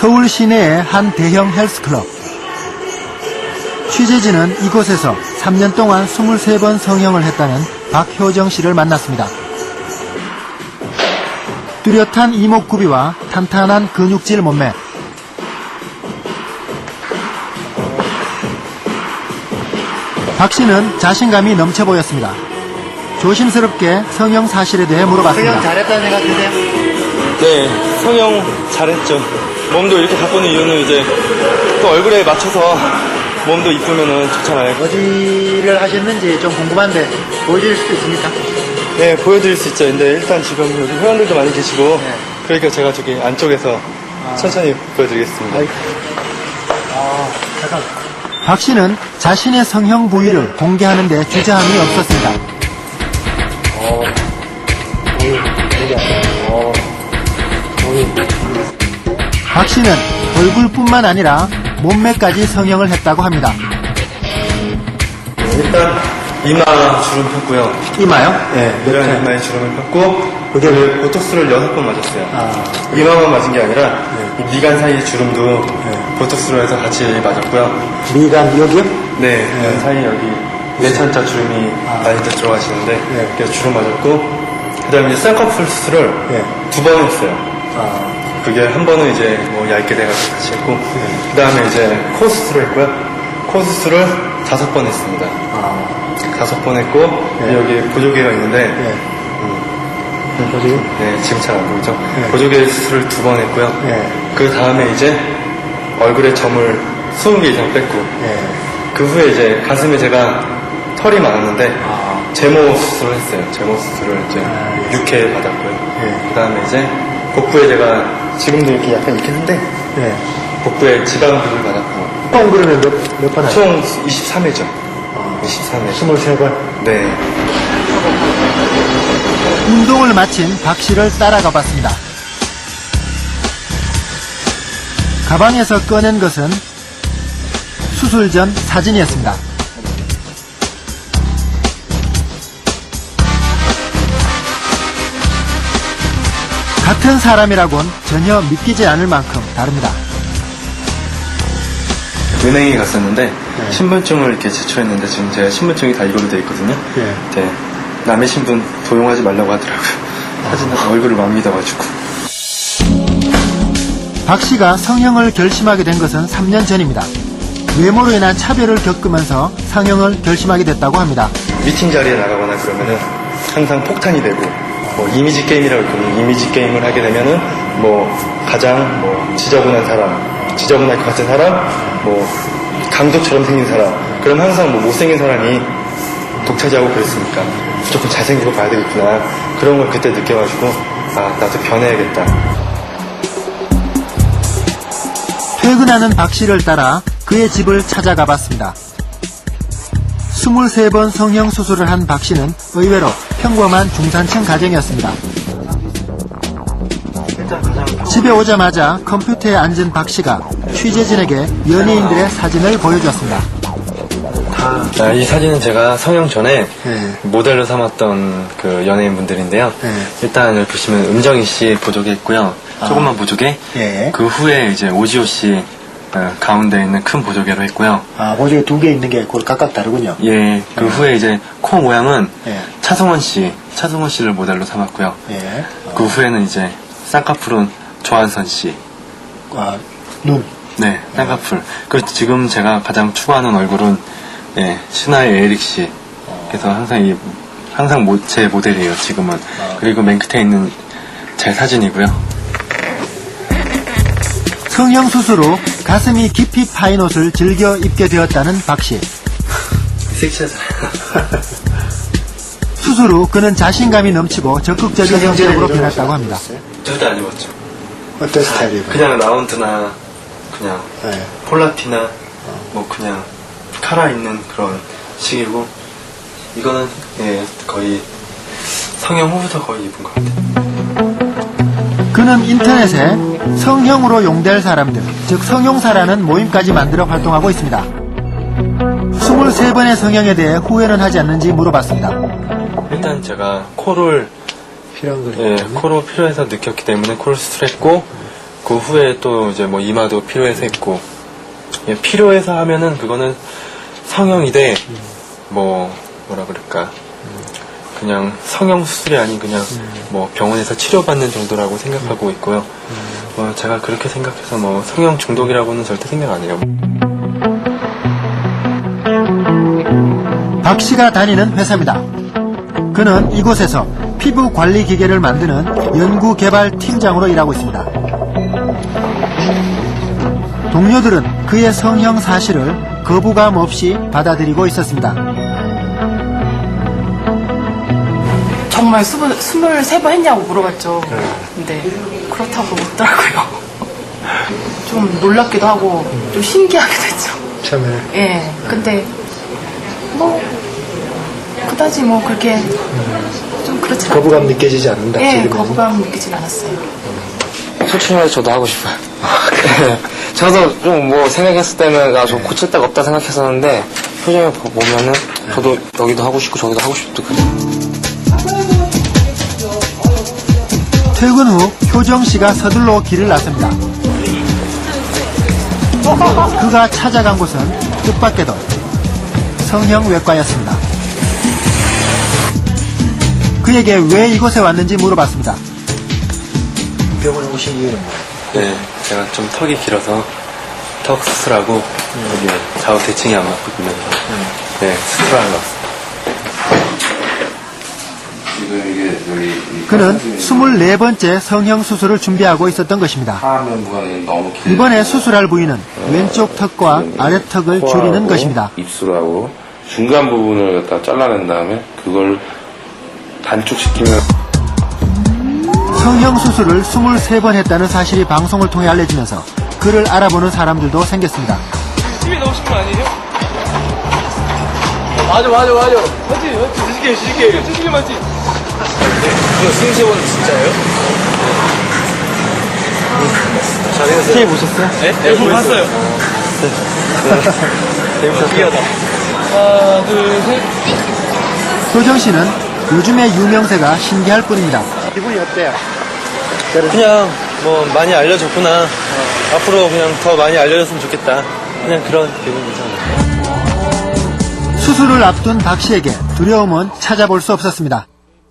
서울 시내의 한 대형 헬스클럽. 취재진은 이곳에서 3년 동안 23번 성형을 했다는 박효정 씨를 만났습니다. 뚜렷한 이목구비와 탄탄한 근육질 몸매. 박 씨는 자신감이 넘쳐 보였습니다. 조심스럽게 성형 사실에 대해 물어봤습니다. 성형 잘했다는 생각 드세요? 네, 성형 잘했죠. 몸도 이렇게 바꾸는 이유는 이제 또 얼굴에 맞춰서 몸도 이쁘면은 좋잖아요. 어디를 하셨는지 좀 궁금한데 보여줄 수도 있습니까? 네, 보여드릴 수 있죠. 근데 일단 지금 여기 회원들도 많이 계시고 그러니까 제가 저기 안쪽에서 천천히 보여드리겠습니다. 잠깐. 박 씨는 자신의 성형 부위를 공개하는 데 주저함이 없었습니다. 박 씨는 얼굴뿐만 아니라 몸매까지 성형을 했다고 합니다. 일단 이마 주름 폈고요. 이마요? 네, 내려간 이마에 주름을 폈고 그게 보톡스를 6번 맞았어요. 이마만 맞은 게 아니라 이 미간 사이 주름도 보톡스로 해서 같이 맞았고요. 미간 여기요? 네, 그 사이 여기 내천자 주름이 많이 들어가시는데 그래서 주름 맞았고 그 다음에 이제 쌍꺼풀 수술을 2번 했어요. 그게 한 번은 이제 뭐 얇게 돼가지고 다시 했고 그 다음에 이제 코 수술을 했고요. 코 수술을 5번 했습니다. 5번 했고 여기 보조개가 있는데 보세요. 네, 지금 잘 안 보이죠? 보조개 수술을 2번 했고요. 그 다음에 이제 얼굴에 점을 20개 이상 뺐고 그 후에 이제 가슴에 제가 털이 많았는데 제모 수술을 했어요. 제모 수술을 이제 6회 받았고요. 그 다음에 이제 복부에 제가 지금도 이렇게 약간 있긴 한데 복부에 지방흡입을 받았고 총 그러면 몇 번 하죠? 총 23회죠. 23회. 23번. 네. 운동을 마친 박 씨를 따라가 봤습니다. 가방에서 꺼낸 것은 수술 전 사진이었습니다. 같은 사람이라곤 전혀 믿기지 않을 만큼 다릅니다. 은행에 갔었는데 신분증을 이렇게 제출했는데 지금 제가 신분증이 다 이걸로 돼 있거든요. 네. 남의 신분 도용하지 말라고 하더라고요. 사진 얼굴을 못 믿어가지고. 박 씨가 성형을 결심하게 된 것은 3년 전입니다. 외모로 인한 차별을 겪으면서 성형을 결심하게 됐다고 합니다. 미팅 자리에 나가거나 그러면은 항상 폭탄이 되고 뭐 이미지 게임이라고 있거든요. 이미지 게임을 하게 되면은 뭐 가장 뭐 지저분한 사람, 지저분할 것 같은 사람, 뭐 강도처럼 생긴 사람, 그럼 항상 뭐 못생긴 사람이 독차지하고 그랬으니까 무조건 잘생기고 봐야 되겠구나. 그런 걸 그때 느껴가지고 아 나도 변해야겠다. 퇴근하는 박 씨를 따라 그의 집을 찾아가 봤습니다. 23번 성형 수술을 한 박 씨는 의외로 평범한 중산층 가정이었습니다. 집에 오자마자 컴퓨터에 앉은 박 씨가 취재진에게 연예인들의 사진을 보여주었습니다. 이 사진은 제가 성형 전에 모델로 삼았던 그 연예인분들인데요. 일단 여기 보시면 음정희 씨 보조개 있고요. 조금만 보조개. 그 후에 이제 오지호 씨 가운데 있는 큰 보조개로 했고요. 보조개 2개 있는 게 각각 다르군요. 예. 그 후에 이제 코 모양은 차승원 씨를 모델로 삼았고요. 그 후에는 이제 쌍꺼풀은 조한선 씨. 눈. 네, 쌍꺼풀. 그 지금 제가 가장 추구하는 얼굴은 신하의 에릭 씨. 그래서 항상 제 모델이에요, 지금은. 그리고 맨 끝에 있는 제 사진이고요. 성형 수술 후 가슴이 깊이 파인 옷을 즐겨 입게 되었다는 박 씨. 섹시하잖아요. 수술 후 그는 자신감이 넘치고 적극적인 성격으로 변했다고 합니다. 절대 안 입었죠. 어떤 스타일이에요? 그냥 라운드나 그냥 폴라티나 뭐 그냥 카라 있는 그런 식이고 이거는 거의 성형 후부터 거의 입은 것 같아요. 그는 인터넷에 성형으로 용될 사람들, 즉 성형사라는 모임까지 만들어 활동하고 있습니다. 23번의 성형에 대해 후회는 하지 않는지 물어봤습니다. 일단 제가 코를 코로 필요해서 느꼈기 때문에 코를 수술했고 그 후에 또 이제 뭐 이마도 필요해서 했고, 예, 필요해서 하면은 그거는 성형이돼, 뭐라 그럴까, 그냥 성형 수술이 아닌 그냥 뭐 병원에서 치료받는 정도라고 생각하고 있고요. 제가 그렇게 생각해서 뭐 성형 중독이라고는 절대 생각 안 해요. 박 씨가 다니는 회사입니다. 그는 이곳에서 피부 관리 기계를 만드는 연구개발 팀장으로 일하고 있습니다. 동료들은 그의 성형 사실을 거부감 없이 받아들이고 있었습니다. 정말 23번 했냐고 물어봤죠. 근데 그렇다고 묻더라고요. 좀 놀랍기도 하고 좀 신기하기도 했죠. 처음에. 예. 근데 뭐 그다지 뭐 그렇게 좀 그렇지 않아요. 거부감 느껴지지 않는다. 예, 지금은. 거부감 느끼진 않았어요. 솔직히 말해서 저도 하고 싶어요. 저도 좀 뭐 생각했을 때는 좀 고칠 데가 없다 생각했었는데 표정을 보면은 저도 여기도 하고 싶고 저기도 하고 싶고 그래요. 퇴근 후 효정 씨가 서둘러 길을 나섭니다. 그가 찾아간 곳은 뜻밖에도 성형외과였습니다. 그에게 왜 이곳에 왔는지 물어봤습니다. 병원에 오신 이유는 뭐예요? 네, 제가 좀 턱이 길어서 턱 수술하고 여기 좌우 대칭이 안 맞거든요. 네, 수술하는 것 같습니다. 그는 24번째 성형수술을 준비하고 있었던 것입니다. 하면 부분이 너무 길. 이번에 수술할 부위는 왼쪽 턱과 아래턱을 줄이는 것입니다. 입술하고 중간 부분을 갖다 잘라낸 다음에 그걸 단축시키면 성형수술을 23번 했다는 사실이 방송을 통해 알려지면서 그를 알아보는 사람들도 생겼습니다. 힘이 너무 심한 거 아니에요? 맞아. 맞지. 지식이 맞지. 이거 승시원 진짜예요? TV 보셨어요? 네? 네, 봤어요. 재밌었어요. 하나, 둘, 셋. 효정 씨는 요즘의 유명세가 신기할 뿐입니다. 기분이 어때요? 그냥 뭐 많이 알려줬구나. 앞으로 그냥 더 많이 알려줬으면 좋겠다. 그냥 그런 기분이죠. 수술을 앞둔 박 씨에게 두려움은 찾아볼 수 없었습니다.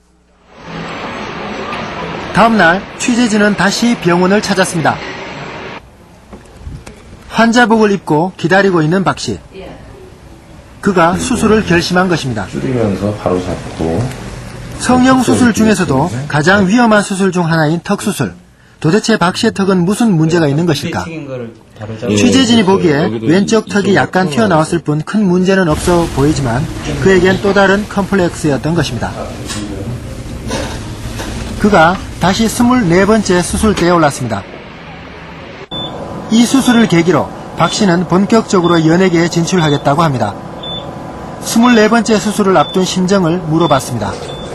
다음 날 취재진은 다시 병원을 찾았습니다. 환자복을 입고 기다리고 있는 박 씨. 그가 수술을 결심한 것입니다. 줄이면서 바로 잡고 성형수술 중에서도 가장 위험한 수술 중 하나인 턱수술. 도대체 박 씨의 턱은 무슨 문제가 있는 것일까? 취재진이 보기에 왼쪽 턱이 약간 튀어나왔을 뿐 큰 문제는 없어 보이지만 그에겐 또 다른 컴플렉스였던 것입니다. 그가 다시 24번째 수술대에 올랐습니다. 이 수술을 계기로 박 씨는 본격적으로 연예계에 진출하겠다고 합니다. 24번째 수술을 앞둔 심정을 물어봤습니다.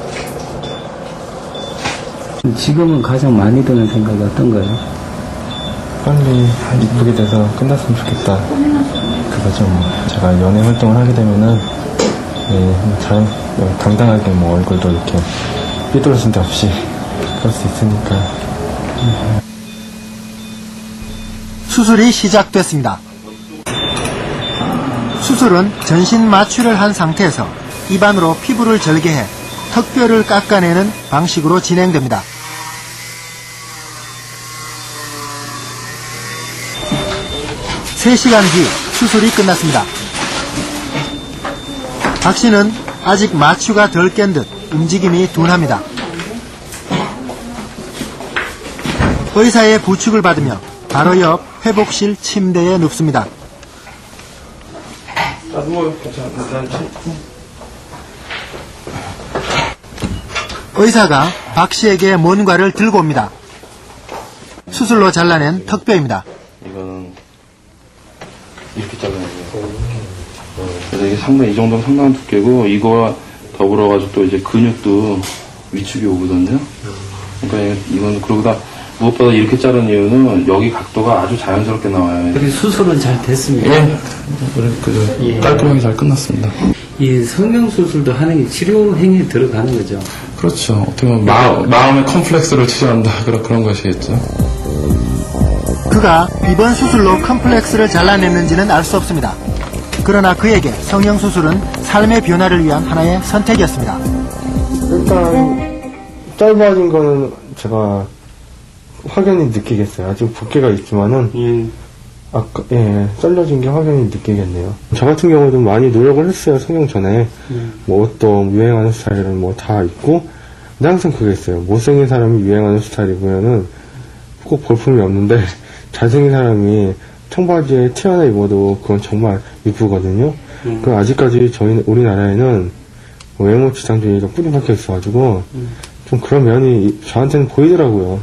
지금은 가장 많이 드는 생각이 어떤 거예요? 빨리 이쁘게 돼서 끝났으면 좋겠다. 그거죠. 제가 연애 활동을 하게 되면은 당당하게 뭐 얼굴도 이렇게 삐뚤어진 데 없이 그럴 수 있으니까. 수술이 시작됐습니다. 수술은 전신 마취를 한 상태에서 입안으로 피부를 절개해 턱뼈를 깎아내는 방식으로 진행됩니다. (3시간) 뒤 수술이 끝났습니다. 박 씨는 아직 마취가 덜 깬 듯 움직임이 둔합니다. 의사의 부축을 받으며 바로 옆 회복실 침대에 눕습니다. 의사가 박 씨에게 뭔가를 들고 옵니다. 수술로 잘라낸 턱뼈입니다. 이거는 이렇게 잘라내요. 그래서 이게 상당히 이 정도면 상당한 두께고 이거와 더불어가지고 또 이제 근육도 위축이 오거든요. 그러니까 이건 그러다 무엇보다 이렇게 자른 이유는 여기 각도가 아주 자연스럽게 나와요. 그리고 수술은 잘 됐습니다. 깔끔하게 잘 끝났습니다. 이 성형수술도 하는 게 치료 행위에 들어가는 거죠. 그렇죠. 어떻게 보면 마음의 컴플렉스를 치료한다 그런 것이겠죠. 그가 이번 수술로 컴플렉스를 잘라냈는지는 알 수 없습니다. 그러나 그에게 성형수술은 삶의 변화를 위한 하나의 선택이었습니다. 일단 짧아진 거는 제가 확연히 느끼겠어요. 아직 붓기가 있지만은 잘라진 게 확연히 느끼겠네요. 저 같은 경우도 많이 노력을 했어요. 성형 전에 뭐 옷도 유행하는 스타일은 뭐 다 있고, 근데 항상 그게 있어요. 못생긴 사람이 유행하는 스타일 입으면은 꼭 볼품이 없는데 잘생긴 사람이 청바지에 티 하나 입어도 그건 정말 이쁘거든요. 그 아직까지 저희 우리나라에는 외모 지상주의가 뿌리 박혀 있어가지고 좀 그런 면이 저한테는 보이더라고요.